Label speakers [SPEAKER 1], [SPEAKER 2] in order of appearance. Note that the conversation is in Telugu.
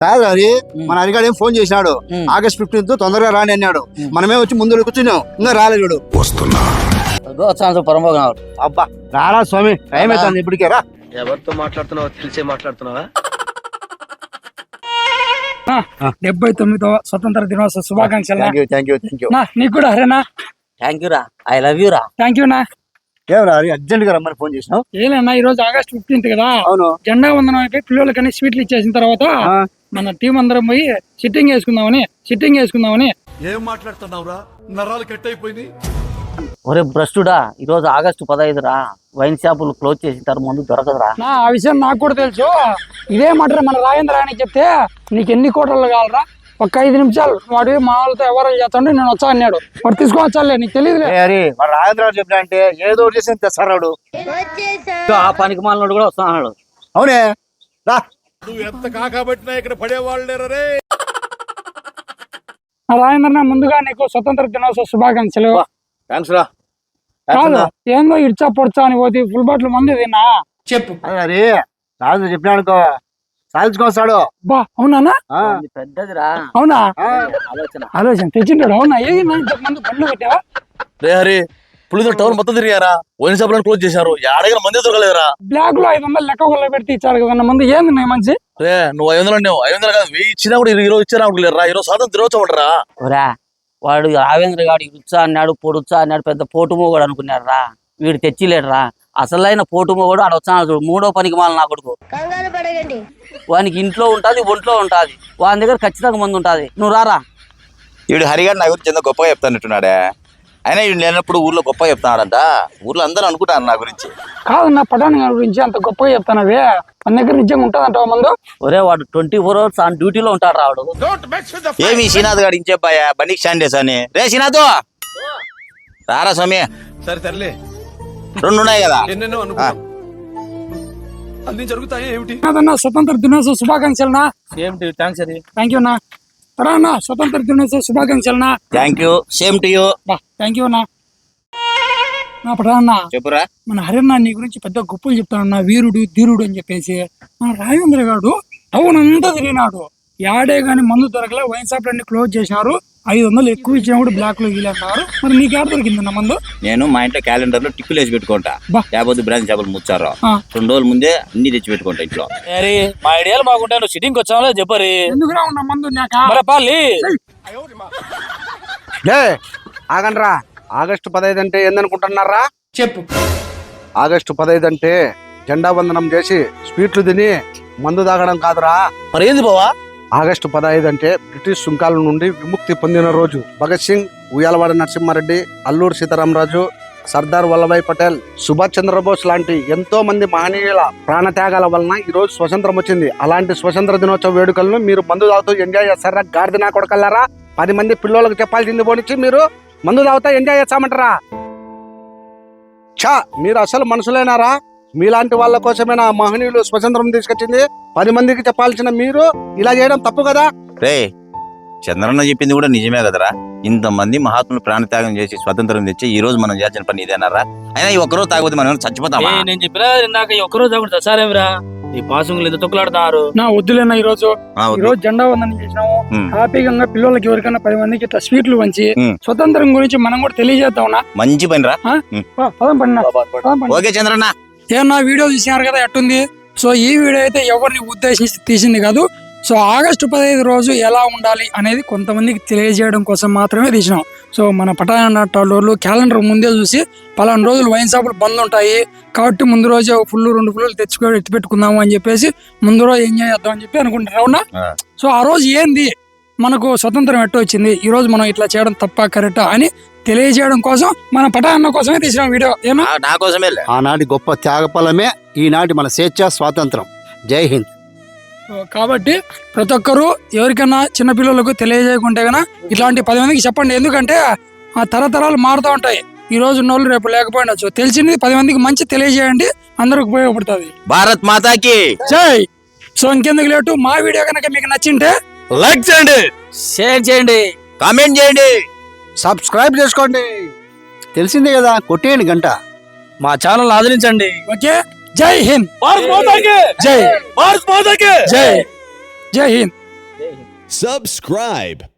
[SPEAKER 1] కాదు అది మన అడిగాడు ఏం ఫోన్ చేసినాడు ఆగస్ట్ 15 తొందరగా రాని అన్నాడు. మనమే వచ్చి ముందు కూర్చున్నాం, ఇంకా రాలేడు. వస్తున్నా అబ్బా రారా స్వామి, టైం అవుతుంది ఇప్పటికే రా.
[SPEAKER 2] ఎవరితో మాట్లాడుతున్నావో తెలిసే మాట్లాడుతున్నావా?
[SPEAKER 3] 79వ స్వతంత్ర దినోత్సవ శుభాకాంక్షలు.
[SPEAKER 1] థ్యాంక్ యూ
[SPEAKER 3] నీకు కూడా హరేనా.
[SPEAKER 4] థ్యాంక్ యూ రా, ఐ లవ్ యూ రా.
[SPEAKER 3] థ్యాంక్ యూ నా.
[SPEAKER 1] ఏం రా అర్జెంట్ గా రమ్మని ఫోన్ చేసినావు?
[SPEAKER 3] ఏలేనా ఈ రోజు ఆగస్ట్ 15 కదా.
[SPEAKER 1] అవును.
[SPEAKER 3] జెండా వందనం అయిపోయి పిల్లలకని స్వీట్లు ఇచ్చేసిన తర్వాత మన టీం అందరం పోయి సిట్టింగ్ వేసుకుందామని.
[SPEAKER 5] ఏం మాట్లాడుతున్నావురా? నరాలు కట్ అయిపోయింది.
[SPEAKER 4] ఒరే భ్రష్టుడా, ఈ రోజు ఆగస్టు 15 రా. వైన్ షాపులు క్లోజ్ చేసింటారు, ముందు దొరకదురా.
[SPEAKER 3] ఆ విషయం నాకు కూడా తెలుసు. ఇదే మాట మన రాజేంద్ర అని చెప్తే నీకు ఎన్ని కోటలు కావాలరా, ఒక్క 5 నిమిషాలు వాడు మా వాళ్ళతో ఎవరు చేస్తాడు నేను వచ్చా అన్నాడు. వాడు తీసుకొని వచ్చాలే, నీకు తెలియదులే.
[SPEAKER 1] రాజేంద్ర చెప్పిన అంటే ఏదో చేసి తెస్తాడు.
[SPEAKER 4] ఆ పనికి మాలినోడు కూడా వస్తున్నాడు.
[SPEAKER 1] అవునే రా.
[SPEAKER 5] నువ్వు ఎంత కాకబట్టినా ఇక్కడ పడేవాళ్ళు లేరే.
[SPEAKER 3] రాజేంద్ర ముందుగా నీకు స్వతంత్ర దినోత్సవ శుభాకాంక్షలు.
[SPEAKER 1] థ్యాంక్స్ రా.
[SPEAKER 3] కాదు ఏందో ఇడ్చా పొడ్చా అని పోతే ఫుల్ బాటిల్ మంది తిన్నా చెప్పు.
[SPEAKER 1] అరే రాజు చెప్పినాడుకో సాధించుకొస్తాడు.
[SPEAKER 3] బా అవునా?
[SPEAKER 4] పెద్దదిరా.
[SPEAKER 3] అవునా?
[SPEAKER 4] ఆలోచన
[SPEAKER 3] తెచ్చింటాడు. అవునా? ఇంతకుముందు బండ్లు పెట్టావా?
[SPEAKER 5] రే హరి, పులితో టౌన్ మొత్తం తిరిగారా, వైన్ షాపులను క్లోజ్ చేశారు, ఎడగర మంది దొరకలేదురా.
[SPEAKER 3] బ్లాక్ లో 500 లెక్క కొల్ల పెడితే ఇచ్చాడు కదా మంది. ఏంది మంచి
[SPEAKER 5] రే నువ్వు 500 అన్నావు. 500 కాదు, 1000 ఇచ్చినా కూడా ఈరోజు ఇచ్చారా అనుకోలేరా. ఈరోజు స్వాతంత్ర దినోత్సవం అంటారా.
[SPEAKER 4] ఒరా వాడు రావేంద్ర గాడు ఇరుచ్చా అన్నాడు, పొడుచా అన్నాడు, పెద్ద పోటుమో కూడా అనుకున్నాడు రా. వీడు తెచ్చిలేడురా. అసలైన పోటుమో కూడా ఆడ వచ్చాను చూడు, 3వ పనికి మాల నా కొడుకు. వానికి ఇంట్లో ఉంటది, ఒంట్లో ఉంటది, వాని దగ్గర ఖచ్చితంగా మంది ఉంటది. నువ్వు రారా.
[SPEAKER 6] వీడు హరిగారు నా గురించి ఎంతో గొప్పగా చెప్తానట్టున్నాడే. అయినా వీడు లేనప్పుడు ఊర్లో గొప్పగా చెప్తున్నాడంట. ఊర్లో అందరూ అనుకుంటారు నా గురించి.
[SPEAKER 3] కాదు నా పటాన్ గురించి అంత గొప్పగా చెప్తానవే, మన దగ్గర నిజంగా ఉంటదంటావా మందు?
[SPEAKER 4] ఒరే వాడు 24 hours ఆన్ డ్యూటీలో ఉంటాడు రాడు.
[SPEAKER 6] ఏమి శ్రీనాథ్ గారు ఇంచేపాయా బండికి స్టాండ్ చేసాని. రే శ్రీనాథ్ రారా స్వామి.
[SPEAKER 5] సరే తరలే,
[SPEAKER 6] 2 ఉన్నాయి కదా.
[SPEAKER 5] ఎన్నెన్నో అనుకున్నాం, అన్ని జరుగుతాయి ఏమిటి?
[SPEAKER 3] కాదన్నా స్వతంత్ర దినోత్సవ శుభాకాంక్షలనా.
[SPEAKER 4] థ్యాంక్స్ అది.
[SPEAKER 3] థ్యాంక్ యూ నా. అన్నా స్వతంత్ర దినోత్సవ శుభాకాంక్షలనా.
[SPEAKER 6] Thank you, same to you.
[SPEAKER 3] Thank you నా. నా పటాన్న
[SPEAKER 6] చెప్పురా.
[SPEAKER 3] మన హరిన్న నీ గురించి పెద్ద గొప్పలు చెప్తాడన్నా, వీరుడు ధీరుడు అని చెప్పేసి. మన రాజేంద్ర గారు టౌన్ అంతా తిరిగినాడు, యాడే గాని మందు దొరకలే, వైన్ షాప్లన్నీ క్లోజ్ చేసినారు, 500 ఎక్కువ ఇచ్చినా కూడా బ్లాక్ లో వీలన్నారు. మరి నీకు ఎక్కడ దొరికిందన్న మందు?
[SPEAKER 6] నేను మా ఇంట్లో క్యాలెండర్ లో టిక్కులు వేసి పెట్టుకుంటా. లేకపోతే బ్రాంచ్ చేపలు ముచ్చారు 2 రోజుల ముందే అన్ని తెచ్చి పెట్టుకుంటా ఇంట్లో.
[SPEAKER 4] మా ఐడియాలు బాగుంటాయి, నువ్వు సిట్టింగ్ వచ్చావు చెప్పరి.
[SPEAKER 3] ఎందుకురా ఉన్న మందు
[SPEAKER 1] ఆగండ్రా. ఆగస్టు 15 అంటే ఏందనుకుంటున్నారా?
[SPEAKER 3] చెప్పు.
[SPEAKER 1] ఆగస్టు 15 అంటే జెండా వందనం చేసి స్వీట్లు తిని మందు తాగడం కాదురా.
[SPEAKER 5] మరి ఏంది బావా?
[SPEAKER 1] ఆగస్టు 15 అంటే బ్రిటిష్ సుంకాల నుండి విముక్తి పొందిన రోజు. భగత్ సింగ్, ఉయ్యాలవాడ నరసింహారెడ్డి, అల్లూరు సీతారామరాజు, సర్దార్ వల్లభాయ్ పటేల్, సుభాష్ చంద్రబోస్ లాంటి ఎంతో మంది మహనీయుల ప్రాణత్యాగాల వలన ఈ రోజు స్వతంత్రం వచ్చింది. అలాంటి స్వతంత్ర దినోత్సవ వేడుకలను మీరు మందు తాగుతూ ఎంజాయ్ చేస్తారా? గాడిద నా కొడకల్లారా, 10 మంది పిల్లలకు చెప్పాల్సింది పోనిచ్చి మీరు మందు తాగుతా ఎంజాయ్ చేస్తామంటారా? మీరు అసలు మనుషులేనారా? మీలాంటి వాళ్ళ కోసమేనా మహనీయులు స్వతంత్రం తీసుకొచ్చింది? 10 మందికి చెప్పాల్సిన మీరు ఇలా చేయడం తప్పు కదా.
[SPEAKER 6] రే చంద్రన్న చెప్పింది కూడా నిజమే కదరా. ఇంతమంది మహాత్ములు ప్రాణత్యాగం చేసి స్వతంత్రం తెచ్చి ఈ రోజు మనం చేయాల్సిన పని ఇదేనారా? అయినా ఈ ఒక్కరోజు తాగబోతే మనం చచ్చిపోతామా?
[SPEAKER 4] నేను చెప్పినా నాకు ఒక్కరోజు తాగుతా సరేమిరా. ఈ పాసులు ఎంత తొక్కులాడుతున్నారు.
[SPEAKER 3] నా వద్దులేనా. ఈ రోజు జెండా వందనం చేసినాము హ్యాపీగా. పిల్లలకి ఎవరికైనా 10 మందికి ఇట్లా స్వీట్లు పంచి స్వతంత్రం గురించి మనం కూడా తెలియజేద్దాం.
[SPEAKER 6] మంచి పని రా. ఓకే చంద్రన్న.
[SPEAKER 3] ఏమన్నా వీడియో చూసినారు కదా ఎట్టుంది. సో ఈ వీడియో అయితే ఎవరిని ఉద్దేశించి తీసింది కాదు. సో ఆగస్టు 15 రోజు ఎలా ఉండాలి అనేది కొంతమందికి తెలియజేయడం కోసం మాత్రమే తీసినాం. సో మన పటాణాటోళ్ళు క్యాలెండర్ ముందే చూసి పలానా రోజులు వైన్ షాపులు బంద్ ఉంటాయి కాబట్టి ముందు రోజే 2 ఫుల్లు తెచ్చుకొని ఎత్తి పెట్టుకుందాము అని చెప్పేసి ముందు రోజు ఎంజాయ్ చేద్దాం అని చెప్పి అనుకుంటారు. అవునా? సో ఆ రోజు ఏంది మనకు స్వతంత్రం ఎట్ట వచ్చింది, ఈ రోజు మనం ఇట్లా చేయడం తప్ప కరెక్టా అని తెలియజేయడం కోసం మన పటాన్న కోసమే తీసిన వీడియో. ఏమో
[SPEAKER 6] నా కోసమే.
[SPEAKER 1] ఆనాటి గొప్ప త్యాగఫలమే ఈనాటి మన స్వేచ్ఛ స్వాతంత్రం. జై హింద్.
[SPEAKER 3] కాబట్టి ప్రతి ఒక్కరు ఎవరికైనా చిన్నపిల్లలకు తెలియజేయకుంటే కన్నా ఇట్లాంటి 10 మందికి చెప్పండి. ఎందుకంటే ఆ తరతరాలు మారుతూ ఉంటాయి. ఈ రోజు ఉన్నోళ్ళు రేపు లేకపోయినచ్చు. తెలిసింది 10 మందికి మంచి తెలియజేయండి, అందరికి ఉపయోగపడుతుంది.
[SPEAKER 6] భారత్ మాతాకి
[SPEAKER 3] జై. సో ఇంకెందుకు లేటు, మా వీడియో కనుక మీకు నచ్చింటే
[SPEAKER 6] లైక్ చేయండి,
[SPEAKER 4] షేర్ చేయండి,
[SPEAKER 6] కామెంట్ చేయండి,
[SPEAKER 1] సబ్స్క్రైబ్ చేసుకోండి. తెలిసిందే కదా, కొట్టేయండి గంట.
[SPEAKER 4] మా ఛానల్ ఆదరించండి.
[SPEAKER 3] ఓకే. జై హింద్.
[SPEAKER 4] భారత్ మాతాకి
[SPEAKER 3] జై.
[SPEAKER 4] భారత్ మాతాకి
[SPEAKER 3] జై. జై హింద్.
[SPEAKER 7] Subscribe.